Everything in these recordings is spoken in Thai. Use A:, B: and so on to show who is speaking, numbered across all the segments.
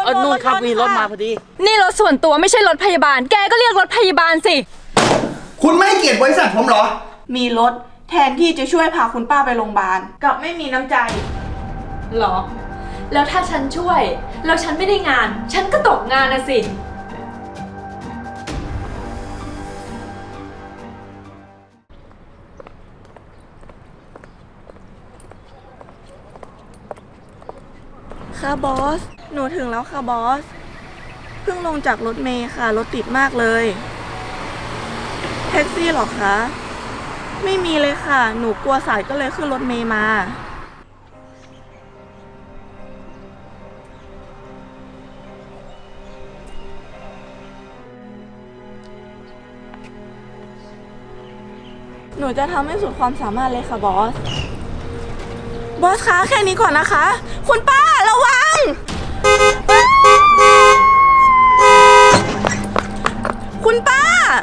A: นู่นครับมีรถมาพอดี
B: นี่รถส่วนตัวไม่ใช่รถพยาบาลแกก็เรียกรถพยาบาลสิ
C: คุณไม่ให้เกียรติบริษัทผมเหรอ
D: มีรถแทนที่จะช่วยพาคุณป้าไปโรงพยาบาลกลับไม่มีน้ำใจ
B: หรอแล้วถ้าฉันช่วยแล้วฉันไม่ได้งานฉันก็ตกงานนะสิ
D: ค่ะบอสหนูถึงแล้วค่ะบอสเพิ่งลงจากรถเมล์ค่ะรถติดมากเลยแท็กซี่หรอคะไม่มีเลยค่ะหนูกลัวสายก็เลยขึ้นรถเมล์มาหนูจะทำให้สุดความสามารถเลยค่ะบอสคะแค่นี้ก่อนนะคะคุณป้าระวังคุณป้า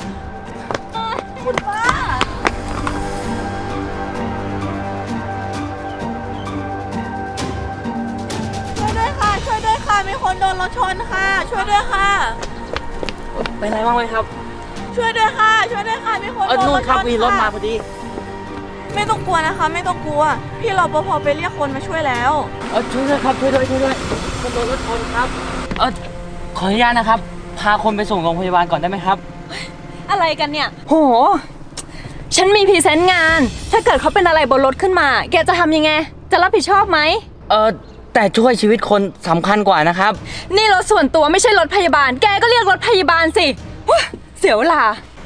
D: ช่วยด้วยค่ะมีคนโดนรถชนค่ะช่วยด้วยค่ะ
A: เป็นไรบ้างไหมครับ
D: ช่วยด้วยค่ะมีคนโดนรถชนค่ะ
A: นู่นครับมีรถมาพอดี
D: ไม่ต้องกลัวนะคะไม่ต้องกลัวพี่รปภไปเรียกคนมาช่วยแล้ว
A: ช่วยด้วยครับช่วยด้วยคนโดนรถชนครับขออนุญาตนะครับพาคนไปส่งโรงพยาบาลก่อนได้ไหมครับ
B: อะไรกันเนี่ยโหฉันมีพรีเซนต์งานถ้าเกิดเขาเป็นอะไรบนรถขึ้นมาแกจะทำยังไงจะรับผิดชอบไหม
A: แต่ช่วยชีวิตคนสำคัญกว่านะครับ
B: นี่รถส่วนตัวไม่ใช่รถพยาบาลแกก็เรียกรถพยาบาลสิเสียเวลา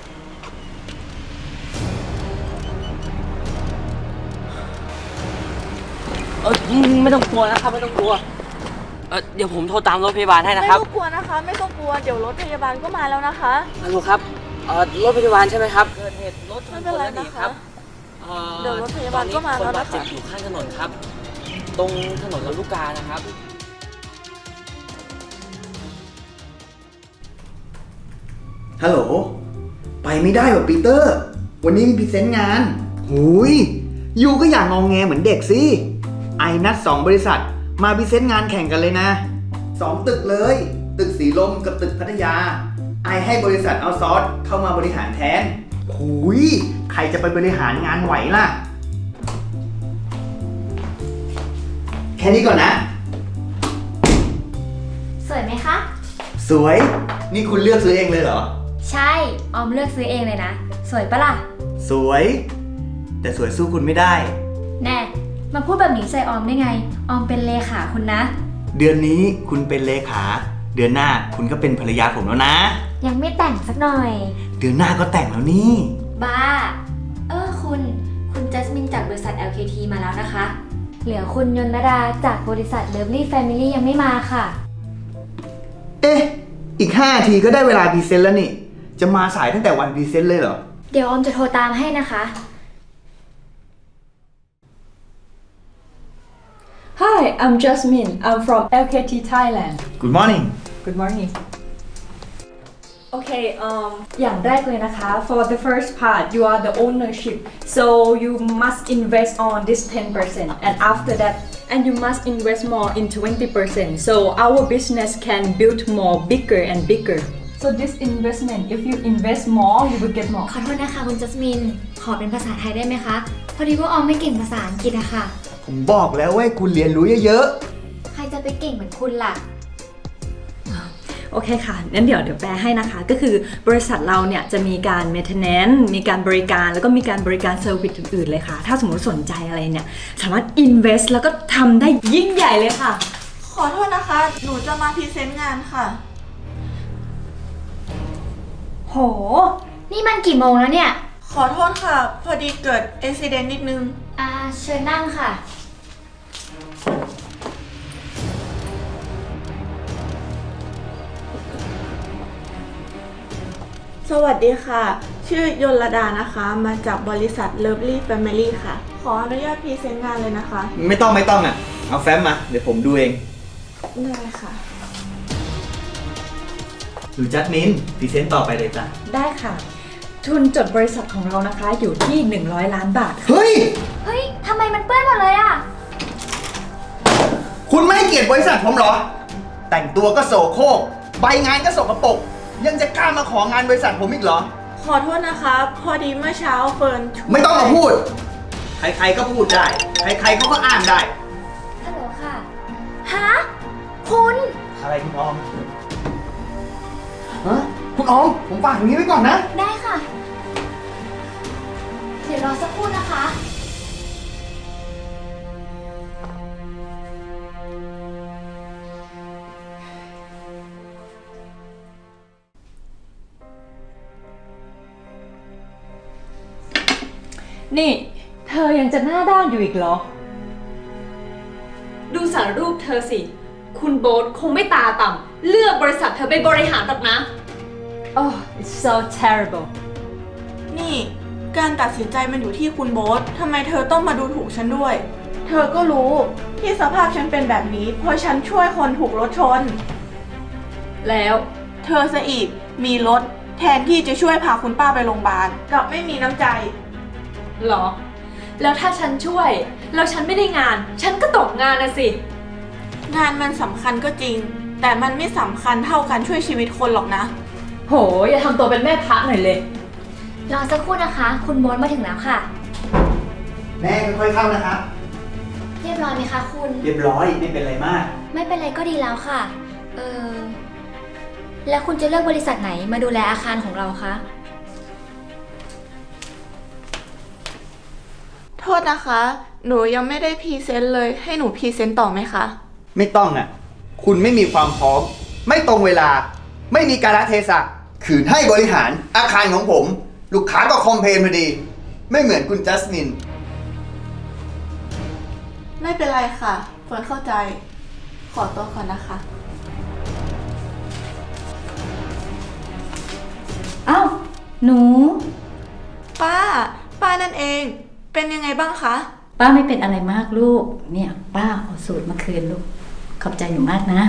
A: ไม่ต้องกลัวนะครับไม่ต้องกลัวเดี๋ยวผมโทรตามรถพยาบาลให้นะครับ
D: ไม่ต้องกลัวนะคะไม่ต้องกลัวเดี๋ยวรถพยาบาลก็มาแล้วนะคะ
A: ฮัลโหลครับรถพยาบาลใช่ไหมครับเกิดเหตุรถชนคนแล้วหนีครับ
D: เดี๋ยวรถพยาบาลก็มาแล้วนะคะ
A: คนบาดเจ็บอยู่ข้างถนนครับตรงถนนลำลูกกานะครับ
C: ฮัลโหลไปไม่ได้หรอปีเตอร์วันนี้มีพรีเซนต์งานหูยยูก็อย่างงองแงเหมือนเด็กสิไอนัด2 บริษัทมาพรีเซนต์งานแข่งกันเลยนะ2 ตึกเลยตึกสีลมกับตึกพัทยาไอให้บริษัทเอาซอร์สเข้ามาบริหารแทนหูยใครจะไปบริหารงานไหวล่ะแค่นี้ก่อนนะ
E: สวยไหมคะ
C: สวยนี่คุณเลือกซื้อเองเลยเหรอ
E: ใช่ออมเลือกซื้อเองเลยนะสวยปะล่ะ
C: สวยแต่สวยสู้คุณไม่ได้
E: แน่มาพูดแบบนี้ใส่ออมได้ไงออมเป็นเลขาคุณนะ
C: เดือนนี้คุณเป็นเลขาเดือนหน้าคุณก็เป็นภรรยาผมแล้วนะ
E: ยังไม่แต่งสักหน่อย
C: เดือนหน้าก็แต่งแล้วนี่
E: บ้าคุณจัสมินจากบริษัท LKT มาแล้วนะคะเหลือคุณยนนดาจากบริษัท Lovely Family ยังไม่มาค่ะ
C: อีก5 นาทีก็ได้เวลาพรีเซนต์แล้วนี่จะมาสายตั้งแต่วันพรีเซนต์เลยเหรอ
E: เดี๋ยวออมจะโทรตามให้นะคะ
B: Hi I'm Jasmine I'm from LKT Thailand
C: Good morning
B: Good morning Okay อย่างแรกเลยนะคะ for the first part you are the ownership so you must invest on this 10% and after that and you must invest more in 20% so our business can build more bigger and bigger so this investment if you invest more you will get more
E: ขอโทษนะคะคุณจัสมินขอเป็นภาษาไทยได้ไหมคะพอดีว่าออมไม่เก่งภาษาอังกฤษอะค่ะ
C: ผมบอกแล้วว่าคุณเรียนรู้เยอะ
E: ๆใครจะไปเก่งเหมือนคุณล่ะ
B: โอเคค่ะงั้นเดี๋ยวแปลให้นะคะก็คือบริษัทเราเนี่ยจะมีการ maintenance มีการบริการแล้วก็มีการบริการเซอร์วิสอื่นๆเลยค่ะถ้าสมมติสนใจอะไรเนี่ยสามารถ invest แล้วก็ทำได้ยิ่งใหญ่เลยค่ะ
D: ขอโทษนะคะหนูจะมาพรีเซนต์งานค่ะ
E: โหนี่มันกี่โมงแล้วเนี่ย
D: ขอโทษค่ะพอดีเกิดอุบัติเหตุนิดนึง
E: เชิญนั่งค่ะ
D: สวัสดีค่ะชื่อยลดานะคะมาจากบริษัท Lovely Family ค่ะขออนุญาตพรีเซนต์งานเลยนะคะ
C: ไม่ต้องอ่ะเอาแฟ้มมาเดี๋ยวผมดูเอง
D: ได้ค่ะ
C: ดูจัดมินพรีเซนต์ต่อไปเลยจ้ะ
B: ได้ค่ะทุนจดบริษัทของเรานะคะอยู่ที่100 ล้านบาท
C: เฮ้ย
E: ทำไมมันเปื้อนหมดเลยอ่ะ
C: คุณไม่ให้เกียรติบริษัทผมเหรอตแต่งตัวก็โสโครกใบงานก็สกปรกยังจะกล้ามาของานบริษัทผมอีกเหรอ
D: ขอโทษนะคะ พอดีเมื่อเช้าเฟิร์นช่วย
C: ไม่ต้องมาพูด ใครๆก็พูดได้ ใครๆเขาก็อ้างได้
E: ฮัลโหลค่ะ ฮะ คุณ
C: อะไรคุณออมฮะคุณออม ผมฝากอย่างนี้ไว้ก่อนนะ
E: ได้ค่ะ เดี๋ยวรอสักครู่นะคะ
B: นี่ เธอยังจะหน้าด้านอยู่อีกเหรอ ดูสารรูปเธอสิ คุณโบ๊ทคงไม่ตาต่ำเลือกบริษัทเธอไปบริหารหรอกนะ Oh it's so terrible
D: นี่ การตัดสินใจมันอยู่ที่คุณโบ๊ททำไมเธอต้องมาดูถูกฉันด้วย เธอก็รู้ที่สภาพฉันเป็นแบบนี้ เพราะฉันช่วยคนถูกรถชน
B: แล้ว
D: เธอซะอีกมีรถแทนที่จะช่วยพาคุณป้าไปโรงพยาบาลกลับไม่มีน้ำใจ
B: เหรอ แล้วถ้าฉันช่วย แล้วฉันไม่ได้งาน ฉันก็ตกงานนะสิ
D: งานมันสำคัญก็จริง แต่มันไม่สำคัญเท่าการช่วยชีวิตคนหรอกนะ
B: โห อย่าทำตัวเป็นแม่พระหน่อยเลย
E: รอสักครู่นะคะ คุณโบ๊ทมาถึงแล้วค่ะ
C: แม่ค่อยๆเข้านะครับ
E: เรียบร้อยไหมคะคุณ
C: เรียบร้อยไม่เป็นไรมาก
E: ไม่เป็นไรก็ดีแล้วค่ะ แล้วคุณจะเลือกบริษัทไหนมาดูแลอาคารของเราคะ
D: โทษนะคะ หนูยังไม่ได้พรีเซนต์เลย ให้หนูพรีเซนต์ต่อไหมคะ
C: ไม่ต้องอ่ะ คุณไม่มีความพร้อม ไม่ตรงเวลา ไม่มีกาลเทศะขืนให้บริหารอาคารของผม ลูกค้าก็คอมเพลนพอดี ไม่เหมือนคุณจัสมิน
D: ไม่เป็นไรค่ะเฟิร์นเข้าใจ ขอตัวก่อนนะคะ
F: อ้าว หนู
D: ป้านั่นเอง เป็นยังไงบ้างคะ
F: ป้าไม่เป็นอะไรมากลูก เนี่ย ป้าเอาสูตรมาคืนลูก ขอบใจหนูมากนะ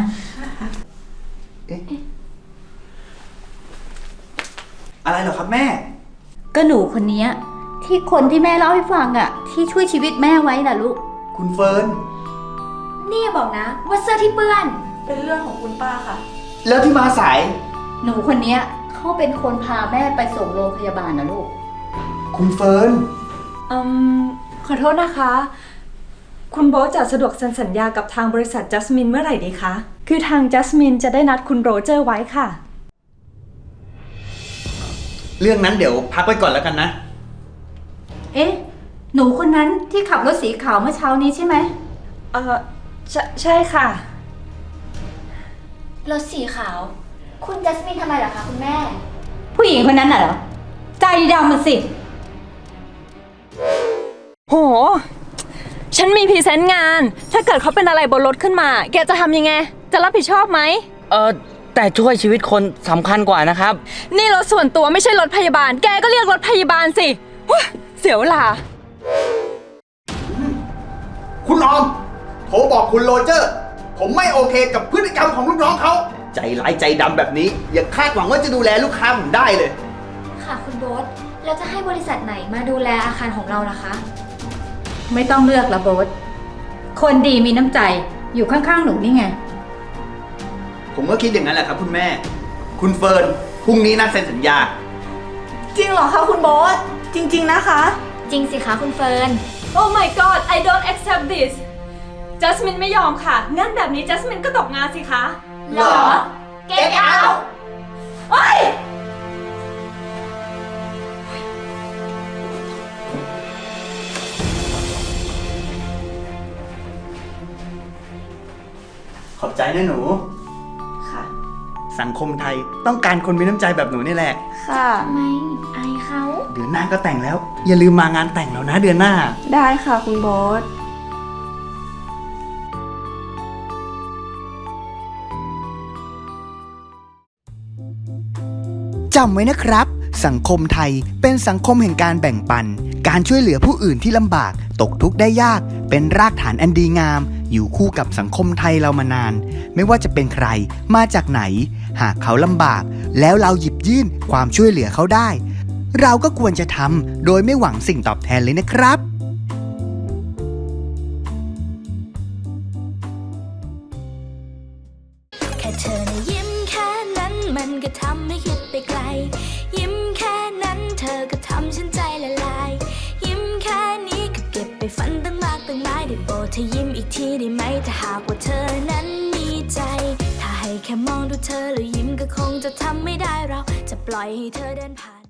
C: อะไรเหรอครับแม่
F: ก็หนูคนเนี้ยที่คนที่แม่เล่าให้ฟังอะที่ช่วยชีวิตแม่ไว้น่ะลูก
C: คุณเฟิร์น
E: นี่อย่าบอกนะว่าเสื้อที่เปื้อน
D: เป็นเรื่องของคุณป้าค่ะ
C: แล้วที่มาสาย
F: หนูคนเนี้ยเขาเป็นคนพาแม่ไปส่งโรงพยาบาลนะลูก
C: คุณเฟิร์น
B: ขอโทษนะคะ คุณโบ๊ทจะสะดวกเซ็นสัญญากับทางบริษัทจัสมินเมื่อไหร่ดีคะ คือทางจัสมินจะได้นัดคุณโรเจอร์ไว้ค่ะ
C: เรื่องนั้นเดี๋ยวพักไว้ก่อนแล้วกันนะ
F: เอ๊ะ หนูคนนั้นที่ขับรถสีขาวเมื่อเช้านี้ใช่ไหม
B: ใช่ค่ะ
E: รถสีขาว คุณจัสมินทำไมเหรอคะคุณแม่
F: ผู้หญิงคนนั้นน่ะเหรอ ใจดำมันสิ
B: โห ฉันมีพรีเซนต์งาน ถ้าเกิดเขาเป็นอะไรบนรถขึ้นมา แกจะทำยังไง จะรับผิดชอบไหม
A: แต่ช่วยชีวิตคนสำคัญกว่านะครับ
B: นี่รถส่วนตัวไม่ใช่รถพยาบาล แกก็เรียกรถพยาบาลสิว้าเสียเวลา
C: คุณออม โทรบอกคุณโรเจอร์ ผมไม่โอเคกับพฤติกรรมของลูกน้องเขา ใจร้ายใจดำแบบนี้ อย่าคาดหวังว่าจะดูแลลูกค้าผมได้เลย
E: ค่ะคุณโบ๊ทแล้วจะให้บริษัทไหนมาดูแลอาคารของเราล่ะคะ
F: ไม่ต้องเลือกละโบ๊ทคนดีมีน้ำใจ อยู่ข้างๆหนูนี่ไง
C: ผมก็คิดอย่างนั้นแหละครับคุณแม่ คุณเฟิร์น พรุ่งนี้นัดเซ็นสัญญา
D: จริงเหรอคะคุณโบ๊ทจริง ๆนะคะ
E: จริงสิคะคุณเฟิร์น
B: Oh my god I don't accept this จัสมินไม่ยอมค่ะ งั้นแบบนี้จัสมินก็ตกงานสิคะ
C: เหรอ
E: Get out
B: เฮ้ย
C: ขอบใจนะหนู
D: ค่ะ
C: สังคมไทยต้องการคนมีน้ำใจแบบหนูนี่แหละ
D: ค่ะ
E: ทำไมอายเขา
C: เดือนหน้าก็แต่งแล้ว อย่าลืมมางานแต่งแล้วนะเดือนหน้า
D: ได้ค่ะคุณโบ๊ท
C: จำไว้นะครับ สังคมไทยเป็นสังคมแห่งการแบ่งปัน การช่วยเหลือผู้อื่นที่ลำบาก ตกทุกข์ได้ยาก เป็นรากฐานอันดีงาม อยู่คู่กับสังคมไทยเรามานาน ไม่ว่าจะเป็นใครมาจากไหน หากเขาลำบาก แล้วเราหยิบยื่นความช่วยเหลือเขาได้ เราก็ควรจะทำโดยไม่หวังสิ่งตอบแทนเลยนะครับ
G: ทำให้คิดไปไกล ยิ้มแค่นั้นเธอก็ทำฉันใจละลาย ยิ้มแค่นี้ก็เก็บไปฝันตั้งมากตั้งหลายได้โปรดเธอยิ้มอีกทีได้ไหมถ้าหากว่าเธอนั้นมีใจ ถ้าให้แค่มองดูเธอแล้วยิ้มก็คงจะทำไม่ได้เราจะปล่อยให้เธอเดินผ่าน